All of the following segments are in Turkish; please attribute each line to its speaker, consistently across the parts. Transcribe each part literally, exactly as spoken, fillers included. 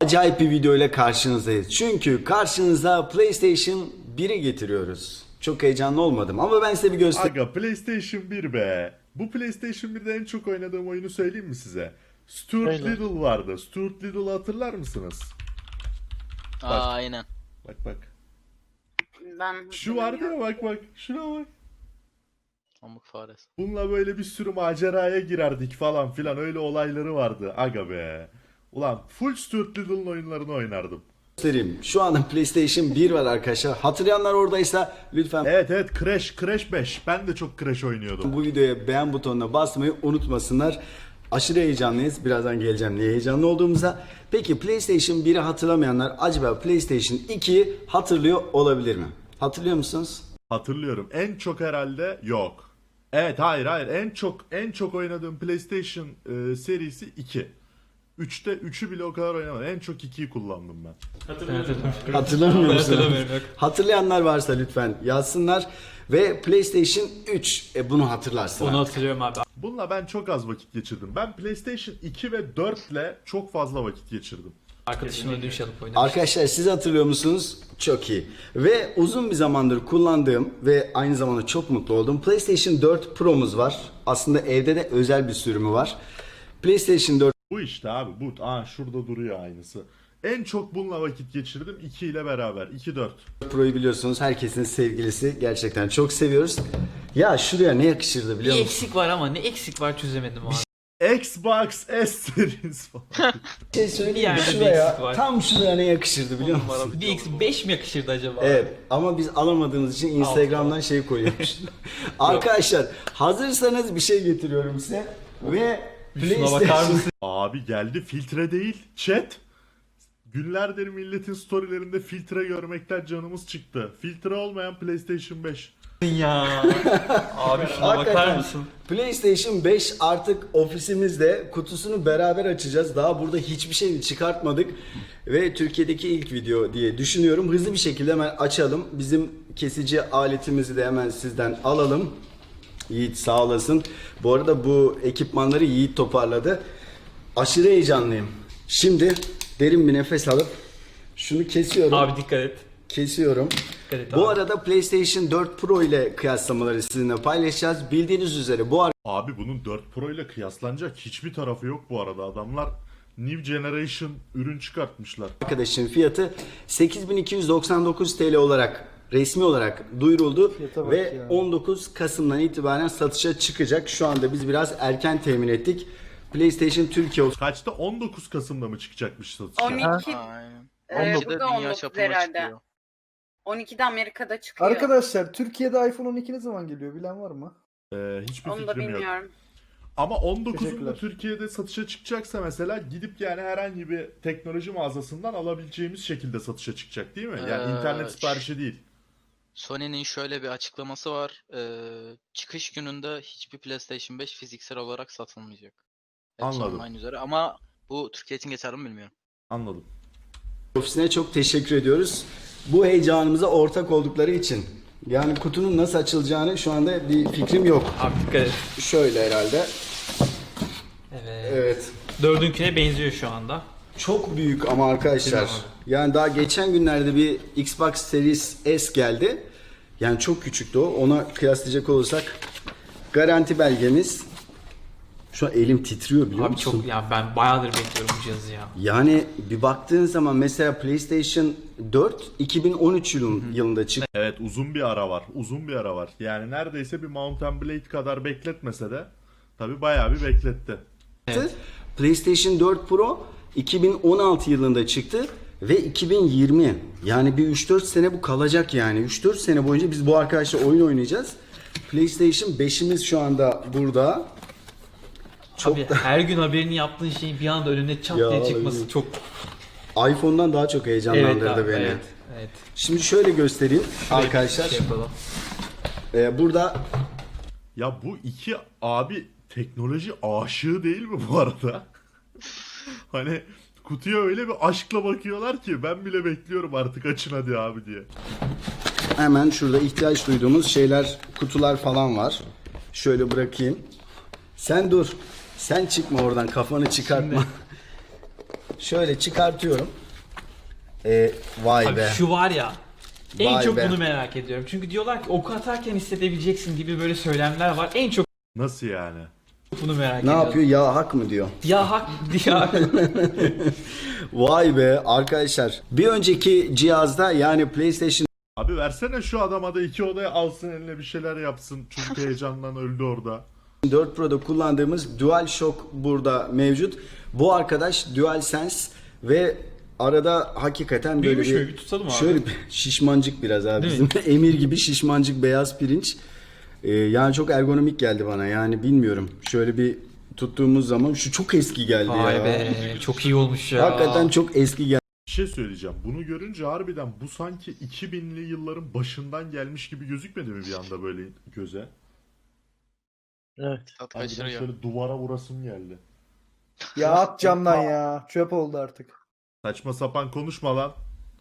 Speaker 1: acayip bir video ile karşınızdayız. Çünkü karşınıza PlayStation biri getiriyoruz. Çok heyecanlı olmadım ama ben size bir göstereyim.
Speaker 2: Aga PlayStation bir be. Bu PlayStation birde en çok oynadığım oyunu söyleyeyim mi size? Stuart
Speaker 3: Öyle.
Speaker 2: Little vardı. Stuart Little'ı hatırlar mısınız?
Speaker 3: Aa, aynen.
Speaker 2: Bak bak.
Speaker 4: Ben
Speaker 2: Şu vardı ya, bak bak. Şuna bak.
Speaker 3: Pamuk faresi.
Speaker 2: Bununla böyle bir sürü maceraya girerdik falan filan, öyle olayları vardı. Aga be. Ulan full Stuart Little'ın oyunlarını oynardım.
Speaker 1: göstereyim. Şu anda PlayStation bir var arkadaşlar. Hatırlayanlar oradaysa lütfen
Speaker 2: Evet evet, Crash, Crash beş. Ben de çok Crash oynuyordum.
Speaker 1: bu videoya beğen butonuna basmayı unutmasınlar. Aşırı heyecanlıyız. Birazdan geleceğim niye heyecanlı olduğumuza. Peki PlayStation biri hatırlamayanlar acaba PlayStation ikiyi hatırlıyor olabilir mi? Hatırlıyor musunuz?
Speaker 2: Hatırlıyorum. En çok herhalde yok. Evet, hayır hayır. En çok en çok oynadığım PlayStation e, serisi iki. üçte üçü bile o kadar oynamadım. En çok ikiyi kullandım ben.
Speaker 1: Hatırlamıyor musunuz?
Speaker 5: hatırlamıyorum, yok.
Speaker 1: Hatırlayanlar varsa lütfen yazsınlar. Ve PlayStation üç e, bunu hatırlarsın.
Speaker 5: Onu
Speaker 1: artık.
Speaker 5: hatırlıyorum abi.
Speaker 2: Bununla ben çok az vakit geçirdim. Ben PlayStation iki ve dört ile çok fazla vakit geçirdim.
Speaker 5: Arkadaşımla dün şey alıp oynamıştım.
Speaker 1: Arkadaşlar siz hatırlıyor musunuz? Çok iyi. Ve uzun bir zamandır kullandığım ve aynı zamanda çok mutlu olduğum PlayStation dört Pro'muz var. Aslında evde de özel bir sürümü var. PlayStation dört
Speaker 2: Bu işte abi bu. Aa, şurada duruyor aynısı. En çok bununla vakit geçirdim iki ile beraber. iki dört.
Speaker 1: Pro'yu biliyorsunuz herkesin sevgilisi. Gerçekten çok seviyoruz. Ya şuraya ne yakışırdı
Speaker 5: Bir
Speaker 1: biliyor musun?
Speaker 5: eksik var ama ne eksik var çözemedim abi.
Speaker 2: Xbox S Series falan.
Speaker 1: Bir şey söyleyeyim
Speaker 5: Bir
Speaker 1: mi?
Speaker 5: yerde bir eksik
Speaker 1: Şuraya,
Speaker 5: var.
Speaker 1: tam şuraya ne yakışırdı biliyor musun?
Speaker 5: Bir eksik beş mi yakışırdı acaba?
Speaker 1: Evet ama biz alamadığımız için Instagram'dan şey koyuyormuş. Arkadaşlar hazırsanız bir şey getiriyorum size ve
Speaker 5: Şuna bakar
Speaker 1: PlayStation
Speaker 5: mısın
Speaker 2: Abi geldi, filtre değil chat. Günlerdir milletin storylerinde filtre görmekten canımız çıktı. Filtre olmayan PlayStation beş.
Speaker 5: ya? Abi şuna bakar
Speaker 1: Hakikaten
Speaker 5: mısın?
Speaker 1: PlayStation beş artık ofisimizde, kutusunu beraber açacağız. Daha burada hiçbir şeyini çıkartmadık ve Türkiye'deki ilk video diye düşünüyorum. Hızlı bir şekilde hemen açalım. Bizim kesici aletimizi de hemen sizden alalım. Yiğit sağ olasın. Bu arada bu ekipmanları Yiğit toparladı. Aşırı heyecanlıyım. Şimdi derin bir nefes alıp şunu kesiyorum.
Speaker 5: Abi dikkat et.
Speaker 1: Kesiyorum.
Speaker 5: Dikkat et
Speaker 1: Bu
Speaker 5: abi.
Speaker 1: arada PlayStation dört Pro ile kıyaslamaları sizinle paylaşacağız. Bildiğiniz üzere bu
Speaker 2: Abi bunun dört Pro ile kıyaslanacak hiçbir tarafı yok bu arada. Adamlar New Generation ürün çıkartmışlar.
Speaker 1: arkadaşın fiyatı sekiz bin iki yüz doksan dokuz T L olarak resmi olarak duyuruldu ve on dokuz Kasım'dan itibaren satışa çıkacak. Şu anda biz biraz erken temin ettik. PlayStation Türkiye
Speaker 2: Kaçta? on dokuz Kasım'da mı çıkacakmış satışa?
Speaker 4: on iki
Speaker 3: Aynen.
Speaker 4: e,
Speaker 3: on
Speaker 4: bu
Speaker 3: dokuzda
Speaker 4: da
Speaker 3: dünya
Speaker 4: on dokuz
Speaker 3: çapına
Speaker 4: herhalde.
Speaker 3: çıkıyor.
Speaker 4: on ikide Amerika'da çıkıyor.
Speaker 6: Arkadaşlar Türkiye'de iPhone on iki ne zaman geliyor bilen var mı?
Speaker 2: Ee, hiçbir
Speaker 4: Onu da
Speaker 2: fikrim yok.
Speaker 4: bilmiyorum.
Speaker 2: Ama on dokuzunda
Speaker 6: Teşekkürler.
Speaker 2: Türkiye'de satışa çıkacaksa mesela gidip yani herhangi bir teknoloji mağazasından alabileceğimiz şekilde satışa çıkacak değil mi? Yani
Speaker 3: Ee,
Speaker 2: internet siparişi değil.
Speaker 3: Sony'nin şöyle bir açıklaması var. Ee, çıkış gününde hiçbir PlayStation beş fiziksel olarak satılmayacak. Hepsi
Speaker 2: Anladım.
Speaker 3: online üzere ama bu Türkiye için geçerli mi bilmiyorum.
Speaker 2: Anladım.
Speaker 1: ofisine çok teşekkür ediyoruz. Bu heyecanımıza ortak oldukları için. Yani kutunun nasıl açılacağını şu anda bir fikrim yok.
Speaker 5: Abi dikkat et.
Speaker 1: Şöyle herhalde.
Speaker 5: Evet.
Speaker 1: Evet.
Speaker 5: Dördünküne benziyor şu anda.
Speaker 1: Çok büyük ama arkadaşlar.
Speaker 5: Değil mi
Speaker 1: Yani daha geçen günlerde bir Xbox Series S geldi. Yani çok küçüktü o. Ona kıyaslayacak olursak garanti belgemiz. Şu an elim titriyor biliyor
Speaker 5: Abi
Speaker 1: musun?
Speaker 5: çok ya ben bayağıdır bekliyorum bu cihazı ya.
Speaker 1: Yani bir baktığın zaman mesela PlayStation dört iki bin on üç yılın, yılında çıktı.
Speaker 2: Evet, uzun bir ara var. Uzun bir ara var. Yani neredeyse bir Mount and Blade kadar bekletmese de tabi bayağı bir bekletti.
Speaker 5: Evet.
Speaker 1: PlayStation dört Pro iki bin on altı yılında çıktı ve iki bin yirmi. Yani bir üç dört sene bu kalacak yani. üç dört sene boyunca biz bu arkadaşla oyun oynayacağız. PlayStation beşimiz şu anda burada. Çok
Speaker 5: Abi
Speaker 1: da
Speaker 5: her gün haberini yaptığın şeyin bir anda önüne çat
Speaker 1: Ya
Speaker 5: diye çıkması
Speaker 1: abi.
Speaker 5: çok
Speaker 1: iPhone'dan daha çok heyecanlandırdı
Speaker 5: evet abi,
Speaker 1: beni.
Speaker 5: evet. Evet.
Speaker 1: Şimdi şöyle göstereyim arkadaşlar.
Speaker 5: Şey yapalım.
Speaker 1: Ee, burada
Speaker 2: Ya bu iki abi teknoloji aşığı değil mi bu arada? Hani kutuya öyle bir aşkla bakıyorlar ki ben bile bekliyorum artık, açın hadi abi diye.
Speaker 1: hemen şurada ihtiyaç duyduğumuz şeyler, kutular falan var. Şöyle bırakayım. Sen dur. Sen çıkma oradan, kafanı çıkartma. Şöyle çıkartıyorum. Ee, vay
Speaker 5: Abi
Speaker 1: be.
Speaker 5: şu var ya. En
Speaker 1: Vay
Speaker 5: çok
Speaker 1: be.
Speaker 5: bunu merak ediyorum. Çünkü diyorlar ki oku atarken hissedebileceksin gibi böyle söylemler var. En çok
Speaker 2: Nasıl yani?
Speaker 5: bunu merak
Speaker 1: Ne
Speaker 5: ediyorum.
Speaker 1: yapıyor? Ya hak mı diyor.
Speaker 5: Ya hak ya.
Speaker 1: Vay be arkadaşlar. Bir önceki cihazda yani PlayStation
Speaker 2: Abi versene şu adama da iki odaya alsın eline bir şeyler yapsın. Çünkü heyecandan öldü orada.
Speaker 1: dört Pro'da kullandığımız DualShock burada mevcut. Bu arkadaş DualSense ve arada hakikaten böyle
Speaker 5: Büyümüş
Speaker 1: bir,
Speaker 5: mü? Bir tutalım abi.
Speaker 1: şöyle bir şişmancık biraz abi.
Speaker 5: Değil
Speaker 1: Bizim emir gibi şişmancık beyaz pirinç. Ee, yani çok ergonomik geldi bana. Yani bilmiyorum. Şöyle bir tuttuğumuz zaman şu çok eski geldi
Speaker 5: Vay
Speaker 1: ya.
Speaker 5: be çok iyi olmuş ya.
Speaker 1: Hakikaten çok eski geldi.
Speaker 2: Bir şey söyleyeceğim. Bunu görünce harbiden bu sanki iki binli yılların başından gelmiş gibi gözükmedi mi bir anda böyle göze?
Speaker 7: Evet.
Speaker 3: Tat
Speaker 2: Harbiden
Speaker 3: kaçırıyor.
Speaker 2: şöyle duvara vurasım geldi.
Speaker 6: Ya at camdan ya. Çöp oldu artık.
Speaker 2: Saçma sapan konuşma lan.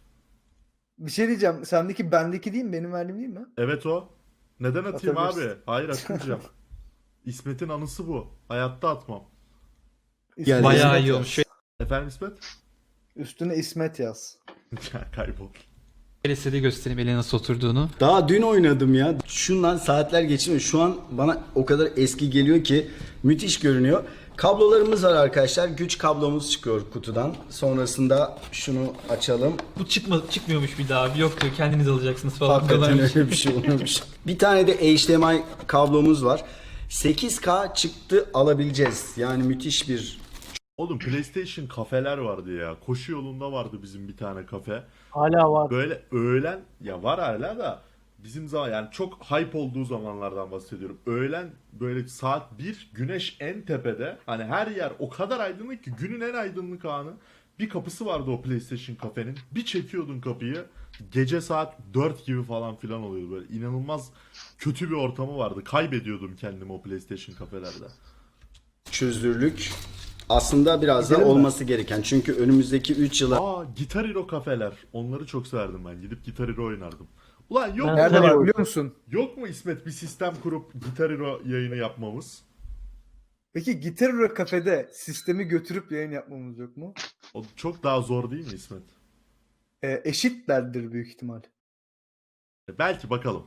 Speaker 6: Bir şey diyeceğim. Sendeki bendeki değil mi? Benim verdiğim değil mi?
Speaker 2: Evet o. Neden atayım
Speaker 6: Atabilirsin.
Speaker 2: abi? Hayır atmayacağım. İsmet'in anısı bu. Hayatta atmam.
Speaker 6: Üstüne
Speaker 5: Bayağı
Speaker 6: İsmet
Speaker 5: iyi
Speaker 6: yaz.
Speaker 5: olmuş.
Speaker 2: Efendim İsmet?
Speaker 6: Üstüne İsmet yaz.
Speaker 2: Kaybol.
Speaker 5: Size göstereyim ele nasıl oturduğunu.
Speaker 1: Daha dün oynadım ya. Şundan saatler geçmiyor. Şu an bana o kadar eski geliyor ki müthiş görünüyor. Kablolarımız var arkadaşlar. Güç kablomuz çıkıyor kutudan. Sonrasında şunu açalım.
Speaker 5: Bu çıkma, çıkmıyormuş bir daha. Yok diyor kendiniz alacaksınız falan.
Speaker 1: Hakikaten
Speaker 5: diyorlarmış.
Speaker 1: öyle bir şey olmuş. Bir tane de H D M I kablomuz var. sekiz K çıktı alabileceğiz. Yani müthiş bir
Speaker 2: Oğlum PlayStation kafeler vardı ya. Koşu yolunda vardı bizim bir tane kafe.
Speaker 7: Hala var.
Speaker 2: Böyle öğlen ya var hala da bizim zaman yani çok hype olduğu zamanlardan bahsediyorum. Öğlen böyle saat bir güneş en tepede. Hani her yer o kadar aydınlık ki günün en aydınlık anı. Bir kapısı vardı o PlayStation kafenin. Bir çekiyordun kapıyı. Gece saat dört gibi falan filan oluyordu böyle. İnanılmaz kötü bir ortamı vardı. Kaybediyordum kendimi o PlayStation kafelerde.
Speaker 1: çözünürlük. Aslında biraz da
Speaker 6: Gidelim mi?
Speaker 1: olması gereken. Çünkü önümüzdeki üç yıla
Speaker 2: Aa Guitar Hero kafeler. Onları çok severdim ben. Gidip Guitar Hero oynardım. Ulan yok mu?
Speaker 6: Nerede
Speaker 7: Tabii
Speaker 6: var
Speaker 7: o-
Speaker 6: biliyor musun?
Speaker 2: Yok mu İsmet bir sistem kurup Guitar Hero yayını yapmamız?
Speaker 6: Peki Gitar Hero kafede sistemi götürüp yayın yapmamız yok mu?
Speaker 2: O çok daha zor değil mi İsmet?
Speaker 6: Ee, eşitlerdir büyük ihtimal.
Speaker 2: E, belki bakalım.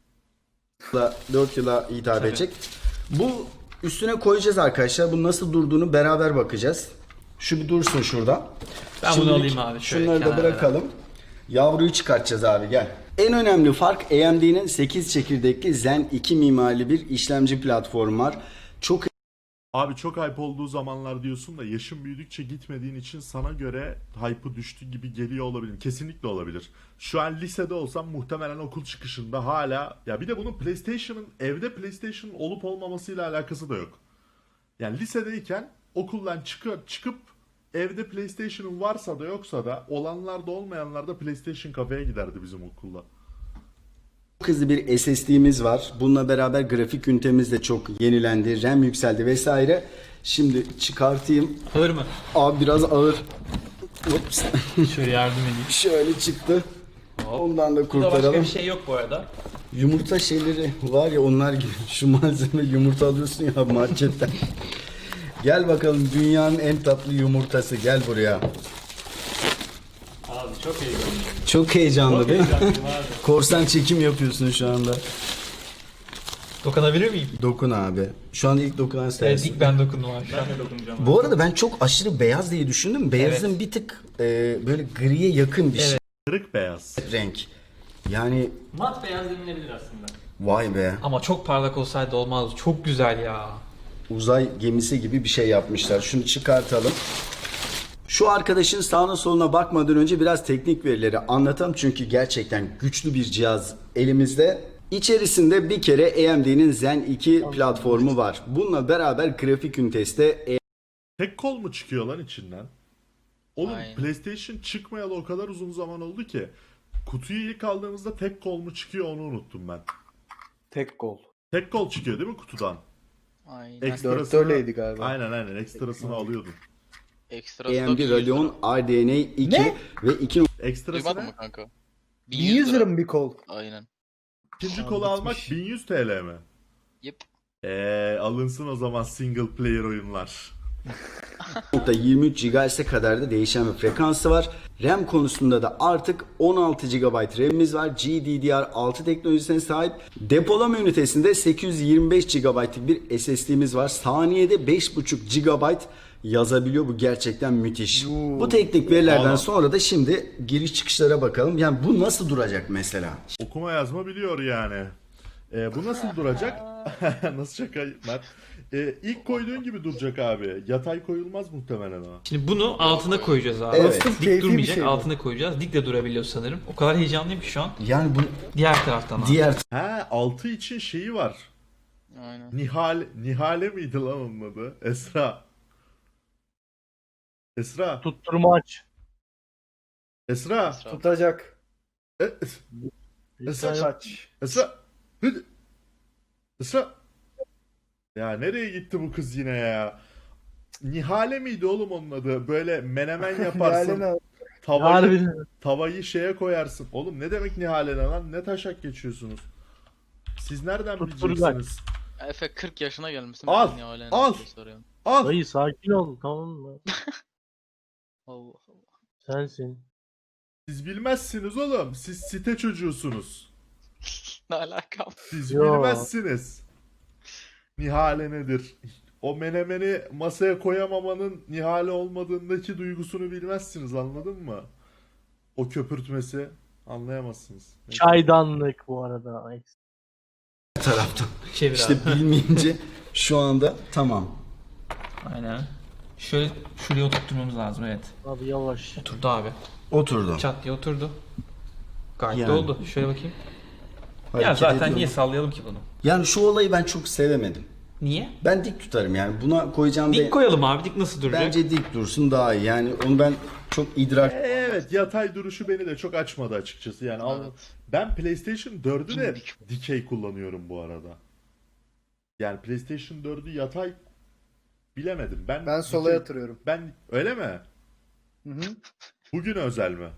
Speaker 1: dört yıla hitap
Speaker 5: Tabii.
Speaker 1: edecek. Bu üstüne koyacağız arkadaşlar. Bu nasıl durduğunu beraber bakacağız. Şu bir dursun şurada.
Speaker 5: Ben bunu
Speaker 1: Şimdilik
Speaker 5: alayım abi, şöyle
Speaker 1: Şunları da
Speaker 5: kenara.
Speaker 1: bırakalım. Yavruyu çıkartacağız abi gel. En önemli fark A M D'nin sekiz çekirdekli Zen iki mimarili bir işlemci platformu var. Çok
Speaker 2: Abi çok hype olduğu zamanlar diyorsun da yaşın büyüdükçe gitmediğin için sana göre hype'ı düştü gibi geliyor olabilir. Kesinlikle olabilir. Şu an lisede olsam muhtemelen okul çıkışında hala ya bir de bunun PlayStation'ın evde PlayStation'ın olup olmamasıyla alakası da yok. Yani lisedeyken okuldan çıkıp çıkıp evde PlayStation'ın varsa da yoksa da olanlar da olmayanlar da PlayStation kafeye giderdi bizim okulda.
Speaker 1: hızlı bir S S D'miz var. Bununla beraber grafik ünitemiz de çok yenilendi. RAM yükseldi vesaire. Şimdi çıkartayım.
Speaker 5: Alır mı?
Speaker 1: Abi biraz ağır. Ups.
Speaker 5: Şöyle yardım edeyim.
Speaker 1: Şöyle çıktı. Ondan da
Speaker 5: Burada başka
Speaker 1: kurtaralım.
Speaker 5: bir şey yok bu arada.
Speaker 1: Yumurta şeyleri var ya onlar gibi. Şu malzeme yumurta alıyorsun ya marketten. Gel bakalım dünyanın en tatlı yumurtası. Gel buraya.
Speaker 5: Abi çok heyecanlıyım.
Speaker 1: Çok heyecanlı
Speaker 5: Çok
Speaker 1: değil mi?
Speaker 5: heyecanlıyım abi.
Speaker 1: Korsan çekim yapıyorsun şu anda.
Speaker 5: Dokunabilir miyim?
Speaker 1: Dokun abi. Şu an ilk dokunan
Speaker 5: Evet
Speaker 1: sensin.
Speaker 5: ilk ben dokundum abi. Ben de dokunacağım.
Speaker 1: Bu arada ben çok aşırı beyaz diye düşündüm. Beyazın
Speaker 5: Evet.
Speaker 1: bir tık e, böyle griye yakın bir
Speaker 5: Evet.
Speaker 2: Kırık beyaz.
Speaker 1: şey renk. Yani
Speaker 5: Mat beyaz denilebilir aslında.
Speaker 1: vay be.
Speaker 5: Ama çok parlak olsaydı olmaz. Çok güzel ya.
Speaker 1: Uzay gemisi gibi bir şey yapmışlar. Şunu çıkartalım. Şu arkadaşın sağına soluna bakmadan önce biraz teknik verileri anlatalım. Çünkü gerçekten güçlü bir cihaz elimizde. İçerisinde bir kere A M D'nin Zen iki platformu var. Bununla beraber grafik ünitesi de
Speaker 2: Tek kol mu çıkıyor lan içinden? Oğlum
Speaker 3: Aynen.
Speaker 2: PlayStation çıkmayalı o kadar uzun zaman oldu ki kutuyu ilk aldığımızda tek kol mu çıkıyor onu unuttum ben.
Speaker 6: Tek gol.
Speaker 2: Tek kol çıkıyor değil mi kutudan?
Speaker 3: Aynen.
Speaker 2: Ekstrasını,
Speaker 6: Dörtte öyleydi galiba.
Speaker 2: Aynen aynen ekstrasını alıyordun.
Speaker 3: Ekstra
Speaker 1: A M
Speaker 3: stok
Speaker 1: D
Speaker 3: yüz lira.
Speaker 1: Radeon R D N A iki
Speaker 6: Ne?
Speaker 1: ve iki
Speaker 2: Ekstrası
Speaker 3: Duymadın
Speaker 2: ne?
Speaker 3: mı kanka?
Speaker 6: bin yüz lira mı bir kol?
Speaker 3: Aynen.
Speaker 2: İkinci
Speaker 6: Aa,
Speaker 2: kolu almak
Speaker 6: bitmiş.
Speaker 2: bin yüz T L mi?
Speaker 3: Yep.
Speaker 2: Eee alınsın o zaman single player oyunlar.
Speaker 1: yirmi üç gigahertz'e kadar da değişen bir frekansı var. RAM konusunda da artık on altı gigabayt RAM'imiz var. G D D R altı teknolojisine sahip. Depolama ünitesinde sekiz yüz yirmi beş gigabaytlık bir S S D'miz var. Saniyede beş buçuk gigabayt yazabiliyor. Bu gerçekten müthiş. Bu teknik verilerden
Speaker 2: Vallahi.
Speaker 1: sonra da şimdi giriş çıkışlara bakalım. Yani bu nasıl duracak mesela?
Speaker 2: Okuma yazma biliyor yani. Ee, bu nasıl duracak? Nasıl şaka Mert? Ee, ilk koyduğun gibi duracak abi. Yatay koyulmaz muhtemelen o.
Speaker 5: Şimdi bunu altına koyacağız abi.
Speaker 1: Evet.
Speaker 5: Dik
Speaker 6: Keyifli bir
Speaker 5: durmayacak,
Speaker 6: şey bu.
Speaker 5: altına koyacağız. Dik de durabiliyor sanırım. O kadar heyecanlıyım ki şu an.
Speaker 1: Yani bu
Speaker 5: Diğer taraftan abi.
Speaker 1: diğer
Speaker 2: He, altı için şeyi var.
Speaker 3: Aynen.
Speaker 2: Nihal Nihale miydi lan onun adı? Esra. Esra.
Speaker 7: Tutturmaç.
Speaker 2: Esra.
Speaker 3: Esra.
Speaker 6: Tutacak.
Speaker 2: E- Esra.
Speaker 6: Saç.
Speaker 2: Esra. Hıd. Esra. Ya nereye gitti bu kız yine ya? Nihale miydi oğlum onun adı? Böyle menemen yaparsın.
Speaker 6: Yani
Speaker 2: tavayı,
Speaker 7: Harbiden.
Speaker 2: tavayı şeye koyarsın. Oğlum ne demek Nihale ne lan? Ne taşak geçiyorsunuz? Siz nereden
Speaker 7: Tutturgak.
Speaker 2: bileceksiniz?
Speaker 3: Efe kırk yaşına gelmişsin.
Speaker 2: Al,
Speaker 3: ben niye hala
Speaker 2: al.
Speaker 3: ne soruyorum.
Speaker 2: Al.
Speaker 7: Dayı sakin ol, tamam mı?
Speaker 3: Allah Allah.
Speaker 7: Sensin.
Speaker 2: Siz bilmezsiniz oğlum. Siz site çocuğusunuz.
Speaker 3: Ne alakam?
Speaker 2: Siz
Speaker 7: Yo.
Speaker 2: bilmezsiniz. Nihale nedir? O menemeni masaya koyamamanın Nihale olmadığındaki duygusunu bilmezsiniz, anladın mı? O köpürtmesi anlayamazsınız.
Speaker 7: Çaydanlık bu arada. Ay,
Speaker 1: taraftan.
Speaker 5: Çevir
Speaker 1: İşte
Speaker 5: abi.
Speaker 1: bilmeyince şu anda tamam.
Speaker 5: Aynen. Şöyle şuraya oturtmamız lazım, evet.
Speaker 7: Abi yavaş.
Speaker 5: Oturdu abi.
Speaker 1: Oturdu.
Speaker 5: Çat diye oturdu. Gayet
Speaker 1: Yani.
Speaker 5: de oldu. Şöyle bakayım. Ya
Speaker 1: Hareket
Speaker 5: zaten
Speaker 1: ediyor.
Speaker 5: niye sallayalım ki bunu?
Speaker 1: Yani şu olayı ben çok sevemedim.
Speaker 5: Niye?
Speaker 1: Ben dik tutarım yani. Buna koyacağım
Speaker 5: Dik
Speaker 1: be-
Speaker 5: koyalım abi. Dik nasıl duracak?
Speaker 1: bence dik dursun daha iyi. Yani onu ben çok idrak
Speaker 2: Evet, yatay duruşu beni de çok açmadı açıkçası. Yani al-
Speaker 3: Evet.
Speaker 2: ben PlayStation dördü de
Speaker 3: Dimdik.
Speaker 2: dikey kullanıyorum bu arada. Yani PlayStation dördü yatay bilemedim. Ben
Speaker 6: ben sola
Speaker 2: dikey-
Speaker 6: yatırıyorum.
Speaker 2: Ben öyle mi?
Speaker 6: Hı hı.
Speaker 2: Bugün özel mi?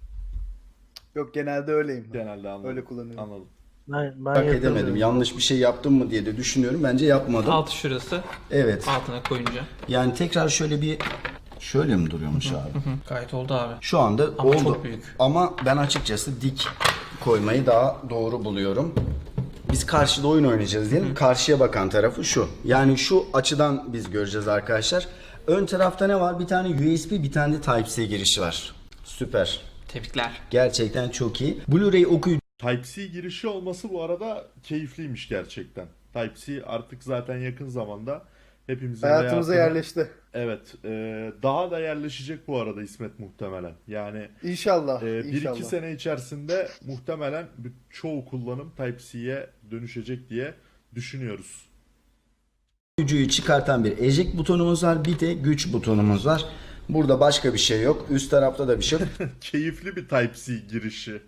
Speaker 6: Yok genelde öyleyim. ben.
Speaker 2: Genelde anladım.
Speaker 6: Öyle kullanıyorum.
Speaker 2: Anladım.
Speaker 7: Ben, ben
Speaker 1: idrak
Speaker 7: yatırdım.
Speaker 1: edemedim. Yanlış bir şey yaptım mı diye de düşünüyorum. Bence yapmadım.
Speaker 5: Altı şurası.
Speaker 1: Evet.
Speaker 5: Altına koyunca.
Speaker 1: Yani tekrar şöyle bir şöyle mi duruyormuş abi?
Speaker 5: Hı, gayet oldu abi.
Speaker 1: Şu anda
Speaker 5: Ama
Speaker 1: oldu.
Speaker 5: çok büyük.
Speaker 1: Ama ben açıkçası dik koymayı daha doğru buluyorum. Biz karşıda oyun oynayacağız diyelim. Karşıya bakan tarafı şu. Yani şu açıdan biz göreceğiz arkadaşlar. Ön tarafta ne var? Bir tane U S B, bir tane de Type-C girişi var. Süper.
Speaker 5: Tebrikler.
Speaker 1: Gerçekten çok iyi. Blu-ray okuyucu
Speaker 2: Type-C girişi olması bu arada keyifliymiş gerçekten. Type-C artık zaten yakın zamanda hepimizin
Speaker 6: Hayatımıza
Speaker 2: hayatına-
Speaker 6: yerleşti.
Speaker 2: Evet, e, daha da yerleşecek bu arada İsmet muhtemelen. Yani
Speaker 6: İnşallah.
Speaker 2: e, bir
Speaker 6: inşallah.
Speaker 2: iki sene içerisinde muhtemelen bir- çoğu kullanım Type-C'ye dönüşecek diye düşünüyoruz.
Speaker 1: okuyucuyu çıkartan bir eject butonumuz var. Bir de güç butonumuz var. Burada başka bir şey yok. Üst tarafta da bir şey yok.
Speaker 2: Keyifli bir Type-C girişi.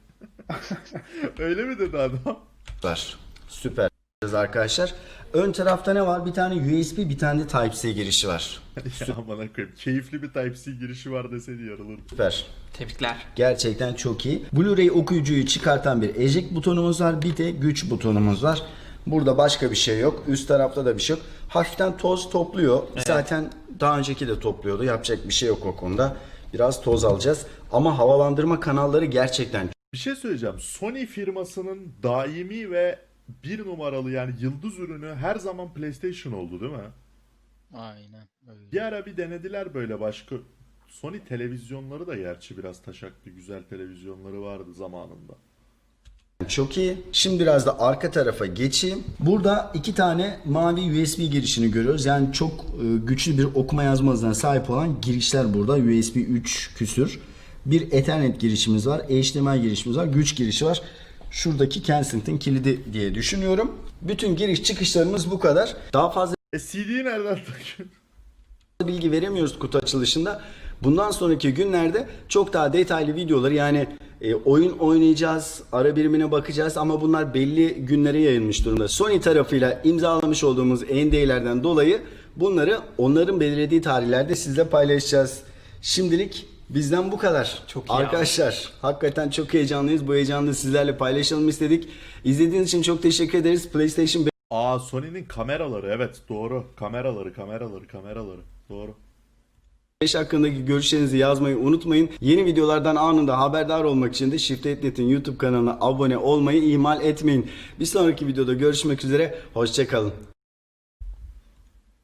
Speaker 2: Öyle mi dedi adam?
Speaker 1: var. Süper arkadaşlar. Ön tarafta ne var? Bir tane U S B, bir tane de Type-C girişi var.
Speaker 2: Ya amına koyayım. Keyifli bir Type-C girişi var deseydi yarılırdı.
Speaker 1: Süper.
Speaker 5: Tebrikler.
Speaker 1: Gerçekten çok iyi. Blu-ray okuyucuyu çıkartan bir eject butonumuz var. Bir de güç butonumuz var. Burada başka bir şey yok. Üst tarafta da bir şey yok. Hafiften toz topluyor. Zaten daha önceki de topluyordu. Yapacak bir şey yok o konuda. Biraz toz alacağız. Ama havalandırma kanalları gerçekten
Speaker 2: Bir şey söyleyeceğim. Sony firmasının daimi ve bir numaralı yani yıldız ürünü her zaman PlayStation oldu değil mi?
Speaker 3: Aynen öyle.
Speaker 2: Bir ara bir denediler böyle başka. Sony televizyonları da gerçi biraz taşaktı. Güzel televizyonları vardı zamanında.
Speaker 1: çok iyi. Şimdi biraz da arka tarafa geçeyim. Burada iki tane mavi U S B girişini görüyoruz. Yani çok e, güçlü bir okuma yazma hızına sahip olan girişler burada. U S B üç küsür. Bir Ethernet girişimiz var. H D M I girişimiz var. Güç girişi var. Şuradaki Kensington kilidi diye düşünüyorum. Bütün giriş çıkışlarımız bu kadar. Daha fazla
Speaker 2: E C D'yi nereden takıyorsun?
Speaker 1: bilgi veremiyoruz kutu açılışında. Bundan sonraki günlerde çok daha detaylı videoları yani e, oyun oynayacağız, ara birimine bakacağız ama bunlar belli günlere yayılmış durumda. Sony tarafıyla imzalamış olduğumuz N D A'lerden dolayı bunları onların belirlediği tarihlerde sizle paylaşacağız. Şimdilik bizden bu kadar.
Speaker 5: Çok iyi
Speaker 1: Arkadaşlar hakikaten çok heyecanlıyız. Bu heyecanı da sizlerle paylaşalım istedik. İzlediğiniz için çok teşekkür ederiz. PlayStation
Speaker 2: Aa Sony'nin kameraları evet doğru. Kameraları kameraları kameraları. Doğru.
Speaker 1: beş hakkındaki görüşlerinizi yazmayı unutmayın. Yeni videolardan anında haberdar olmak için de Shift nokta net'in YouTube kanalına abone olmayı ihmal etmeyin. Bir sonraki videoda görüşmek üzere. Hoşça kalın.